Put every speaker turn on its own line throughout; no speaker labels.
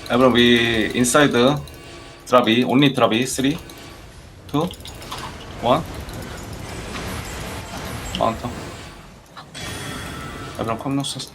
Everyone, we inside drop E, only drop E. 3, 2, 1. 마운터. Everyone, come north.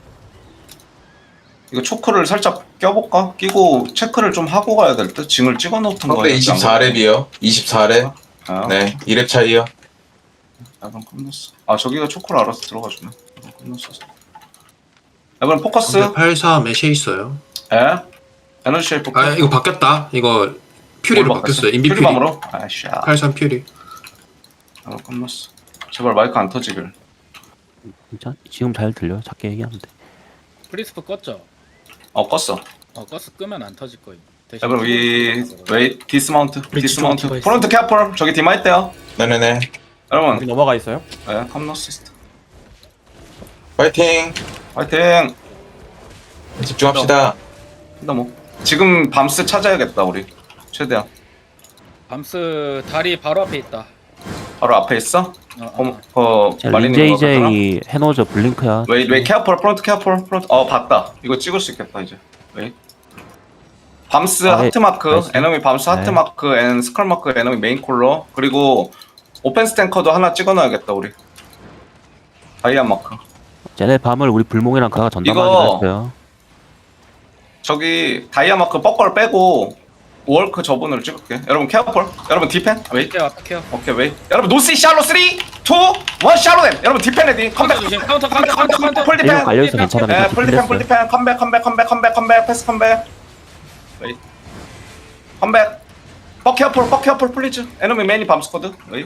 이거 초크를 살짝 껴볼까? 끼고 체크를 좀 하고 가야 될 듯? 징을 찍어놓던
상대
거예요.
24렙이요. 24렙.
아,
네, 2렙 차이요.
Everyone, come north. 아, 저기가 초크를 알아서 들어가주네. Everyone, come north. Everyone, 포커스.
84 메시에 있어요.
예? 에너지 쉐이프.
아 이거 바뀌었다. 이거 퓨리로 바뀌었어요. 인비 퓨리.
퓨리밤으로? 아이씨.
83 퓨리.
아, 끝났어. 제발 마이크 안 터지길.
진짜? 지금 잘 들려요? 작게 얘기하면 돼.
프리스프 껐죠?
껐어.
껐어. 끄면 안 터질 거임. 대신
여러분, 위,
켜놓고
웨이, 디스마운트, 디스마운트.
디바이스.
프론트 캐플, 저기 디마 있대요.
네네네.
여러분,
넘어가 있어요?
예, 컴노시스트.
파이팅!
화이팅!
집중합시다.
너무. 지금 밤스 찾아야겠다, 우리. 최대한.
밤스 다리 바로 앞에 있다.
바로 앞에 있어?
자,
마리님
린제이제이 해노저 블링크야.
웨이, 캐플, 프론트 캐플, 프론트. 봤다. 이거 찍을 수 있겠다, 이제. 웨이. 밤스
아,
하트마크,
나이스.
에너미 밤스
네.
하트마크, 앤 스컬마크, 에너미 메인 콜러. 그리고 오펜스 탱커도 하나 찍어놔야겠다, 우리. 다이아 마크.
쟤네 밤을 우리 불몽이랑 그가
이거-
전담하기로 했어요.
저기 다이아 마크 뻐걸 빼고 월크 저분을 찍을게. 여러분 케어폴. 여러분 디펜. 웨이.
케어 앞에 케어.
오케이 웨이. 여러분 노스 샬로 3, 2, 1 샬로 댐. 여러분 디펜 레디. 컴백.
카운터 조심. 카운터.
풀
일곱
디펜.
갈려있어 괜찮아.
풀 디펜 풀 디펜. 컴백. 패스 컴백. 웨이. 컴백. 뻐 케어폴 플리즈. 에너미 매니 밤스쿼드. 웨이.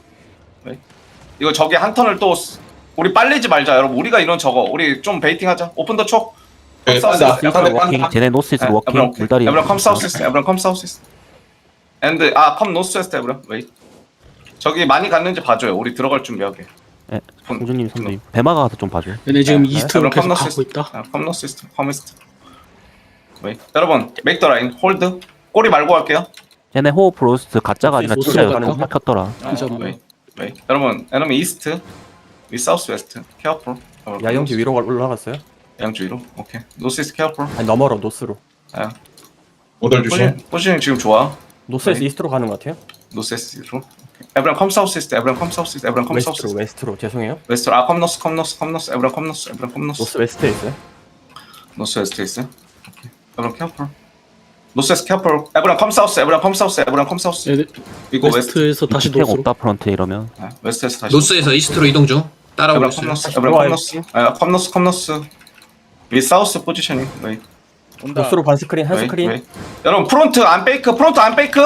이거 저기 한 턴을 또 우리 빨리지 말자 여러분. 우리가 이런 저거. 우리 좀 베이팅하자. 오픈 더 촉.
네, 빤다. 상대
워킹.
빤다.
쟤네 노스이스트 워킹. 물다리.
Everyone come south east. Everyone come south east. And come north west. Everyone. Wait. 저기 많이 갔는지 봐줘요. 우리 들어갈 준비하게.
예, 공주님 선배님. 배마가 가서 좀 봐줘요.
얘네 지금 이스트로
Everyone come
계속
north
가고
east.
있다.
Come north east. Come east. Wait. 여러분, make the line. Hold. 꼬리 말고 할게요.
쟤네 호흡 로스트 가짜가 아니라
노스로
진짜
가는
여기
거?
켰더라.
진짜
Wait. 여러분, enemy east. We south west. Careful.
야영지 위로 올라갔어요?
양주 위로. 오케이. North east. Careful.
아니 너머로 노스로.
아.
오돌 조심.
포지션 지금 좋아.
노스에서
네.
이스트로 가는 것 같아요?
North east로. Everyone come south east. Everyone come south east. Everyone come south
웨스트로
east.
웨스트로 죄송해요.
웨스트. come north. Everyone come north. Everyone come north.
노스 웨스트에 있어요?
노스 웨스트 있어요? 오케이. Everyone careful. 노스 웨스트 careful. Everyone come south. Everyone come south. Everyone come south.
얘네
이거 웨스트.
웨스트에서 다시
탱
노스로.
없다 프런트 이러면.
웨스트에서 다시.
노스에서 이스트로 이동 중. 따라오고
Everyone come
있어요.
north. Everyone come north. come north. 위 사우스 포지셔닝. 웨이.
온다.
노스로 반 스크린 한
웨이.
스크린.
웨이. 여러분 프론트 안 페이크. 프론트 안 페이크.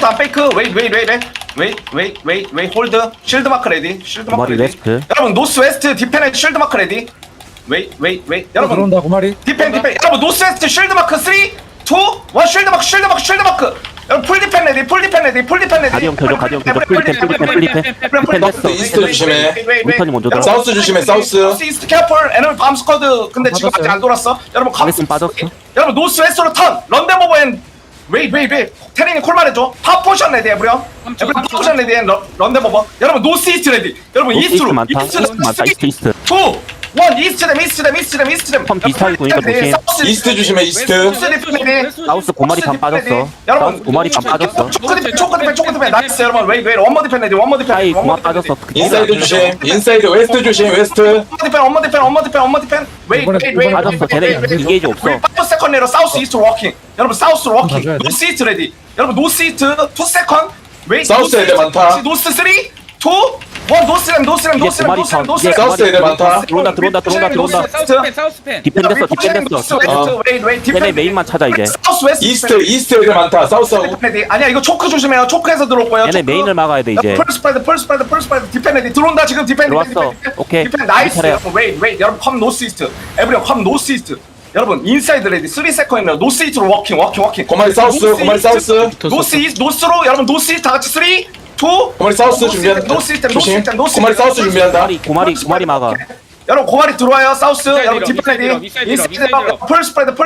웨이. 홀드. 실드 마크 레디. 실드 마크
머리
레디.
웨스트.
여러분 노스 웨스트 디펜 실드 마크 레디. 웨이. 여러분
들어온다 고마리.
디펜. 여러분 노스 웨스트 쉴드 마크 3, 2, 1 쉴드 마크. 여러분 풀 디펜 레디.
가디언 켜줘, 가디언 켜줘. 풀리펜. 디펜 됐어.
이스트 조심해.
윈턴이 먼저 들어.
사우스 조심해, 사우스.
이스트 캐플 에너미 밤 스쿼드. 근데 지금 아직 안 돌았어. 여러분
가리슨 빠졌어.
여러분 노스 웨스트로 턴. 런던 오버 앤 웨이. 테린이 콜 말해줘. 팝 포션 레디 에브리언. 팝 포션 레디 앤 런던 오버. 여러분 노스 이스트 레디. 여러분
노스
이스트로.
이스트 많다. 이스트 많다. 이스트.
2, 1 이스트 댐.
턴 비슷하게 도니까 조심.
이스트 조심해, 이스트.
사우스 고마리 반 빠졌어. 사우스 고마리 반 빠졌어.
초크 디펜 나이스 여러분. 웨이 원머 디펜 레디.
하이 고마 빠졌어.
인사이드 조심. 인사이드 웨스트 조심, 웨스트.
엄마 디펜. 웨이.
빠졌어. 쟤네 인게이지 없어.
파이브 세컨드로 사우스 이스트 워킹. 여러분 사우스로 워킹.
맞아야 돼.
노스 이스트 레디. 여러분 노스 이스트 2 세컨드. 웨이.
사우스 애들 많다.
노스 3, 2, 1 노스 램.
사우스 애들 많다.
들어온다.
사우스 펜.
디펜 됐어. 쟤네 메인만 찾아 이제.
사우스 웨스트.
이스트 애들 많다. 사우스하고.
아니야 이거 초크 조심해요. 초크에서 들어올 거예요.
얘네 메인을 막아야 돼 이제.
펄 스프레드 디펜 레디. 들어온다 지금 디펜.
들어왔어. 오케이.
디펜 나이스.
차례야.
웨이. 여러분 컴 노스 이스트. 에브리언 컴 노스 이스트. 여러분 인사이드 레디. 3 세컨드. 노스 이스트로 워킹.
고마리 사우스,
노스로 여러분 노스 이스트 다 같이 3, 2, 1
고마리 사우스 준비한다. 조심. 고마리 사우스 준비한다.
고마리 막아.
여러분 고마리 들어와요. 사우스. 여러분
밀어,
디펜 레디.
밀어.
인사이드 펄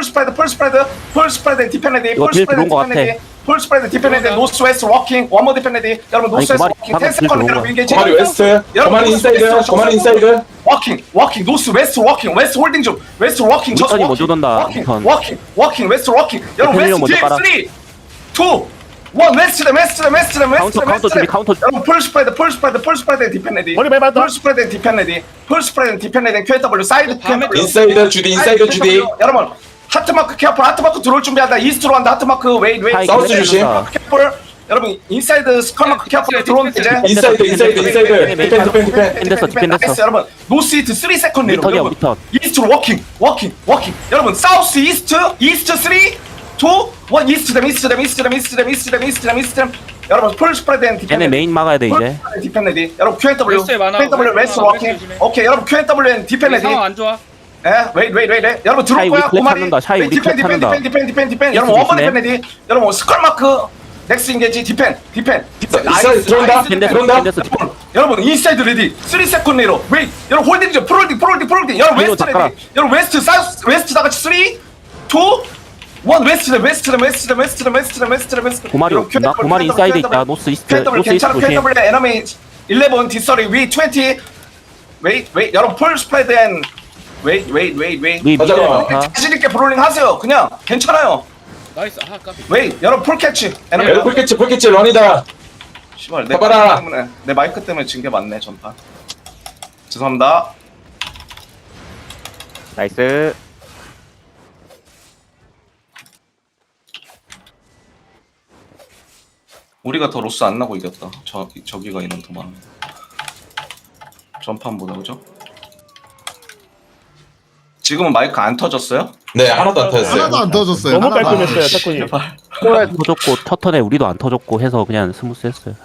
스프레드 디펜 레디.
이거 딜 들어온 거 같아.
펄 스프레드 디펜 레디. 노스 웨스트 워킹. 원머 디펜 레디. 여러분 노스 웨스트
고마리
워킹.
방금
10 세컨드
딜 들어온
여러분
거야.
인게이지.
고마리 웨스트. 고마리 인사이드.
워킹 노스 웨스트 워킹 웨스트 홀딩 중 웨스트 워킹
우턴이 먼저 돈다, 우턴.
워킹 웨스트 워킹 여러분
대표님
웨스트
먼저
뒤에
깔아.
3 2 1 웨스트
카운터 준비, 카운터 준비.
여러분 풀 스프레드 디펜 레디
머리 많이 받았다.
풀 스프레드 디펜 레디 QW 사이드
다음에
QW
인사이드 주디 인사이드 주디.
여러분 하트마크 케어풀 하트마크 들어올 준비한다 이스트로 한다 하트마크 웨이트
하이,
사우스 주심.
케어풀 여러분 인사이드 스컬마크 케어풀 들어오는데 이제
인사이드 디펜.
나이스 여러분 노스 이스트 3 세컨드 리로
리턴이야,
여러분
리턴.
이스트로 워킹 여러분 사우스 이스트 3 2 1 이스트댐 여러분 풀 스프레드 앤 디펜
얘네 메인 막아야 돼 이제.
디펜 레디 여러분 QNW
웨스트에 많아.
웨스트
웨스트
워킹
조심해.
오케이 여러분 QNW 앤 디펜 레디
상황 안 좋아.
예, 웨이트. 여러분 들어올
샤이
거야.
우리 클랩 찾는다, 샤이 우리 클랩 찾는다.
디펜. 여러분 원번 디펜 레디. 여러분 스컬 마크 넥스 인게지 디펜.
인사이드 들어온다. 들어온다.
여러분 인사이드 레디. 3 세컨드 내로. 웨이트. 여러분 홀딩 좀 프롤딩. 여러분
위로
웨스트
잠깐.
레디. 여러분 웨스트 사우스 웨스트 다 같이 3 2 1 웨스트.
고마리 나 고마리 인사이드 있다. 노스 이스트
QW
노스 이스트
괜찮아.
조심.
QW 에너미 11 디서리 위 20. 웨이트. 여러분 풀 스프레드 앤 웨이트.
우리 미드
맞아.
많다.
자신 있게 브롤링 하세요. 그냥 괜찮아요.
나이스. 아 까비.
웨이 여러분 풀 캐치.
에너 풀캐치 런이다.
씨발 내
봐봐라.
마이크 때문에 내 마이크 때문에 진 게 맞네 전판. 죄송합니다.
나이스.
우리가 더 로스 안 나고 이겼다. 저기가 인원 더 많아. 전판보다 그죠? 지금은 마이크 안 터졌어요?
네 하나도 안 터졌어요.
하나도 안 터졌어요.
너무
하나도 안
깔끔했어요,
터졌어요.
태권이.
제발.
터졌고 첫 턴에 우리도 안 터졌고 해서 그냥 스무스했어요.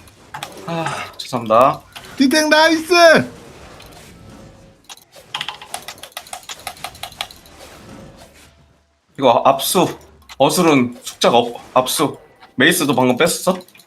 죄송합니다.
디텍 나이스.
이거 압수 어술은 숙자가 압수. 메이스도 방금 뺐었어?